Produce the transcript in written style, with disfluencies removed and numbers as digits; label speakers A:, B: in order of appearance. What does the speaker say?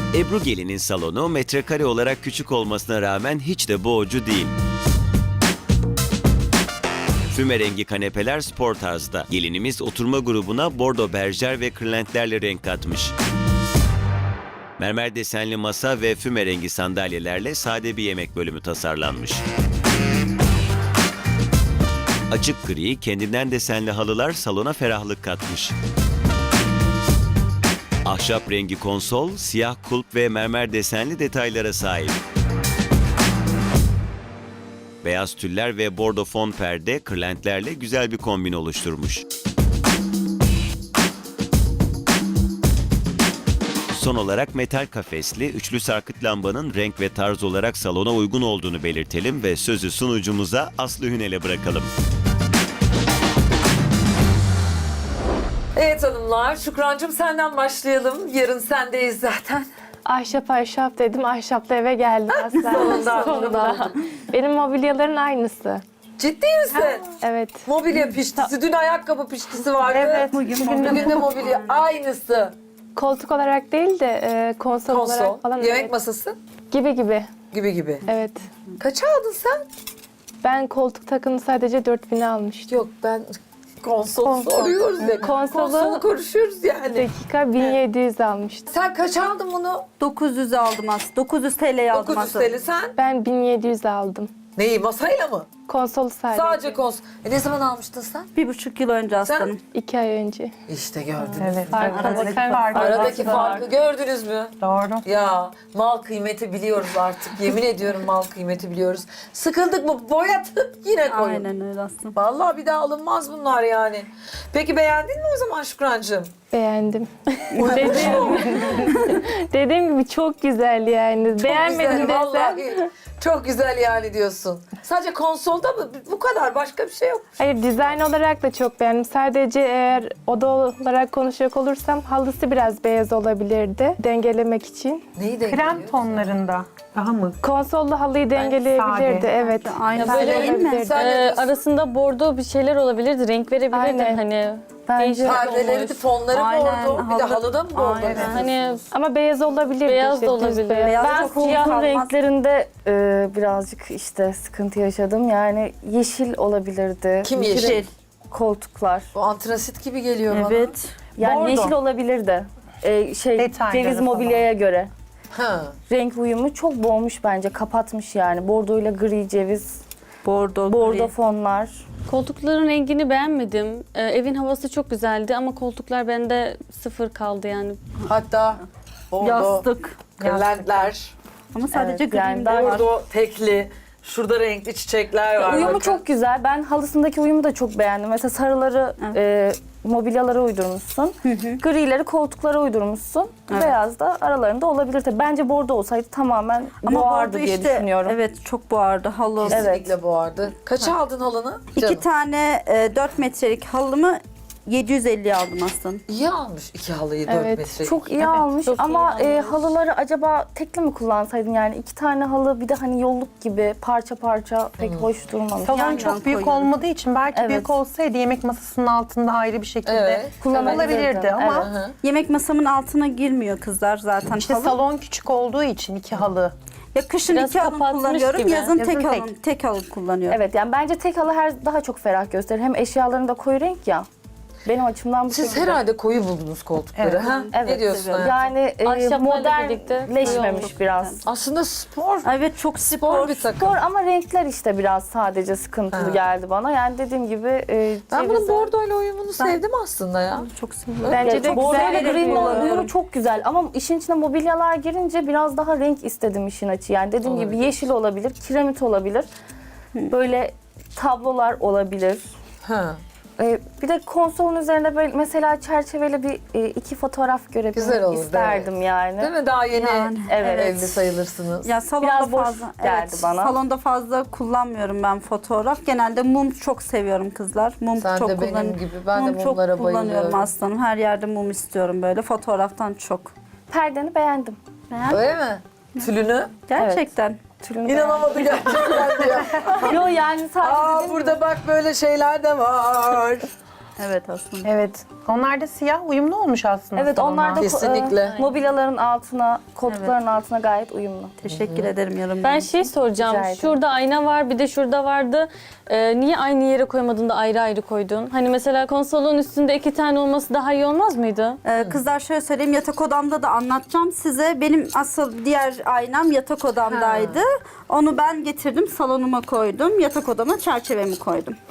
A: Ebru Gelin'in salonu metrekare olarak küçük olmasına rağmen hiç de boğucu değil. Füme rengi kanepeler spor tarzda. Gelinimiz oturma grubuna bordo berjer ve kırlentlerle renk katmış. Mermer desenli masa ve füme rengi sandalyelerle sade bir yemek bölümü tasarlanmış. Açık gri, kendinden desenli halılar salona ferahlık katmış. Ahşap rengi konsol, siyah kulp ve mermer desenli detaylara sahip. Beyaz tüller ve bordo fon perde, kırlentlerle güzel bir kombin oluşturmuş. Son olarak metal kafesli, üçlü sarkıt lambanın renk ve tarz olarak salona uygun olduğunu belirtelim ve sözü sunucumuza Aslı Hünel'e bırakalım.
B: Evet hanımlar, Şükrancığım senden başlayalım. Yarın sendeyiz zaten.
C: Ahşap dedim. Ahşapla eve geldim aslında.
B: Sonunda.
C: Benim mobilyaların aynısı.
B: Ciddi misin?
C: Evet.
B: Mobilya piştisi, dün ayakkabı piştisi vardı.
C: Evet.
B: Bugün de mobilya aynısı.
C: Koltuk olarak değil de konsol olarak falan.
B: Yemek
C: evet.
B: masası
C: Gibi.
B: gibi.
C: Evet.
B: Kaça aldın sen?
C: Ben koltuk takımını sadece 4000'e almıştım.
B: Yok ben konsol
C: Konsol.
B: soruyoruz ya.
C: Konsolu-
B: Konsolu konuşuyoruz yani.
C: Dakika 1700 almıştım.
B: Sen kaç aldın bunu?
D: 900 aldım aslında. 900 TL'ye aldım
B: 900
D: aslında.
B: TL sen?
C: Ben 1700 aldım.
B: Neyi masayla mı?
C: Konsolu sadece.
B: Sadece konsol. Ne zaman almıştın sen?
D: 1,5 yıl önce aslanım.
C: 2 ay önce.
B: İşte gördünüz.
E: Evet.
C: Farka bakar
B: Aradaki farkı gördünüz mü?
E: Doğru.
B: Ya mal kıymeti biliyoruz artık. Yemin ediyorum mal kıymeti biliyoruz. Sıkıldık mı boyatıp yine koyun.
D: Aynen öyle aslında.
B: Vallahi bir daha alınmaz bunlar yani. Peki beğendin mi o zaman Şükrancığım?
C: Beğendim. Dediğim gibi çok güzel yani. Beğenmedim
B: Güzel,
C: desem.
B: vallahi çok güzel yani diyorsun. Sadece konsolda mı? Bu kadar başka bir şey yok.
C: Hayır, dizayn olarak da çok beğendim. Sadece eğer oda olarak konuşacak olursam halısı biraz beyaz olabilirdi dengelemek için.
B: Neyi de
E: Krem tonlarında daha mı?
C: Konsollu halıyı dengeleyebilirdi.
E: sade.
C: Evet.
D: Aynen
B: Böyle
D: öyle değil mi?
B: mi? Sen ne diyorsun?
F: Arasında bordo bir şeyler olabilirdi, renk verebilirdi
C: Aynen.
F: hani.
C: Bence
F: Değişik
B: Perdeleri,
F: olmuş.
B: fonları
D: Aynen,
B: bordo. Bir de
D: halı-
B: halıda mı bordo?
D: Aynen.
F: Hani
C: ama beyaz olabilirdi.
F: Beyaz
C: işte,
F: da
C: düz
F: olabilir.
C: beyaz.
D: Beyaz
G: Ben
D: çok
G: siyah
D: kalmaz.
G: renklerinde birazcık işte sıkıntı yaşadım. Yani yeşil olabilirdi.
B: Kim yeşil?
G: Koltuklar.
B: Bu antrasit gibi geliyor bana.
D: Evet.
G: Yani
E: Bordo.
G: yeşil olabilirdi.
E: Detayları
G: Ceviz
E: falan.
G: mobilyaya göre.
B: Ha.
G: Renk uyumu çok boğmuş bence. Kapatmış yani. Bordoyla gri ceviz.
D: Bordo,
G: Bordo
D: gri.
G: fonlar.
F: koltukların rengini beğenmedim. Evin havası çok güzeldi ama koltuklar bende sıfır kaldı yani.
B: Hatta bordo,
D: Yastık.
B: kırlentler,
D: Ama sadece
G: Evet,
D: gri
G: yani
D: de var.
B: bordo tekli, şurada renkli çiçekler var.
G: Uyumu
B: bakın.
G: çok güzel. Ben halısındaki uyumu da çok beğendim. Mesela sarıları mobilyalara uydurmuşsun. Grileri koltuklara uydurmuşsun.
D: Evet.
G: Beyaz da aralarında olabilir. Tabii bence bordo olsaydı tamamen
D: Ama
G: boğardı
D: bordo
G: diye
D: işte,
G: düşünüyorum.
D: evet çok boğardı. Halı.
B: Kesinlikle boğardı. Kaça aldın halını?
D: 2 tane 4 metrelik halımı 750 aldım aslında.
B: İyi almış iki halıyı 4
C: Evet,
B: metre.
G: Çok iyi almış
F: çok iyi
G: ama
F: almış.
G: halıları acaba tekli mi kullansaydın yani 2 tane halı bir de hani yolluk gibi parça parça pek hoş durmamış.
E: Salon
D: Yan
E: çok
D: yan
E: büyük
D: koyuyorum.
E: olmadığı için belki
G: Evet.
E: büyük olsaydı yemek masasının altında ayrı bir şekilde
B: Evet.
E: kullanılabilirdi ama
B: Hı hı.
D: Yemek masamın altına girmiyor kızlar zaten
E: işte
D: halı.
E: salon küçük olduğu için 2 halı.
D: Ya kışın
F: Biraz
D: 2 halım
F: kapatmış
D: kullanıyorum,
F: gibi.
D: yazın
E: Yazın
D: tek
E: tek.
D: halım, tek halım kullanıyorum.
G: Evet yani bence tek halı daha çok ferah gösterir. Hem eşyalarında koyu renk ya. Benim açımdan bu
B: Siz
G: şekilde.
B: herhalde koyu buldunuz koltukları.
E: Evet.
B: Ha?
G: Evet,
B: Ne diyorsun?
D: seviyorum.
B: hayatım?
G: Yani
F: Ahşaplarla birlikte
G: modernleşmemiş
D: koyu
G: biraz.
B: Aslında spor.
D: Evet çok
B: Spor bir takım.
G: Spor ama renkler işte biraz sadece sıkıntılı
B: Ha.
G: geldi bana. Yani dediğim gibi
B: Ben bunun
G: cevizi-
B: bordoyla uyumunu sevdim aslında ya.
D: çok seviyorum.
C: Bence de
G: Bordo
C: güzel.
G: ile green
D: kullanıyorum.
G: uyumu çok güzel ama işin içine mobilyalar girince biraz daha renk istedim işin açı. Yani dediğim gibi
B: Olabilir.
G: yeşil olabilir, kiremit olabilir. Böyle tablolar olabilir.
B: Ha.
G: Bir de konsolun üzerinde böyle mesela çerçeveli bir iki fotoğraf
B: Güzel
G: görebilmek
B: olurdu,
G: isterdim yani.
B: Değil mi? Daha yeni
D: Yani,
G: evet.
B: evli sayılırsınız.
D: Ya salonda
G: Biraz boş
D: fazla
G: geldi bana.
D: Salonda fazla kullanmıyorum ben fotoğraf. Genelde mum çok seviyorum kızlar. Mum
B: Sen
D: çok
B: de benim
D: kullanıyorum.
B: gibi. Ben de
D: Mum çok
B: mumlara
D: kullanıyorum
B: bayılıyorum.
D: aslanım. Her yerde mum istiyorum böyle. Fotoğraftan çok.
G: Perdeni beğendim.
B: Öyle mi? Tülünü?
D: Gerçekten.
G: Tülünü
B: İnanamadı gerçekten diyor.
G: beğendim. Yo yani sadece
B: Aa
G: dediğim
B: burada bak böyle şeyler de var.
D: Evet aslında.
E: Evet. Onlar da siyah uyumlu olmuş aslında.
G: Evet
E: salona.
G: onlar da
B: Kesinlikle.
G: mobilyaların altına, koltukların altına gayet uyumlu.
D: Teşekkür ederim yorum.
F: Ben şey soracağım.
G: Rica ederim.
F: Şurada ayna var, bir de şurada vardı. Niye aynı yere koymadın da ayrı ayrı koydun? Hani mesela konsolun üstünde 2 tane olması daha iyi olmaz mıydı?
D: Kızlar şöyle söyleyeyim, yatak odamda da anlatacağım size. Benim asıl diğer aynam yatak odamdaydı. Onu ben getirdim, salonuma koydum. Yatak odama çerçevemi koydum.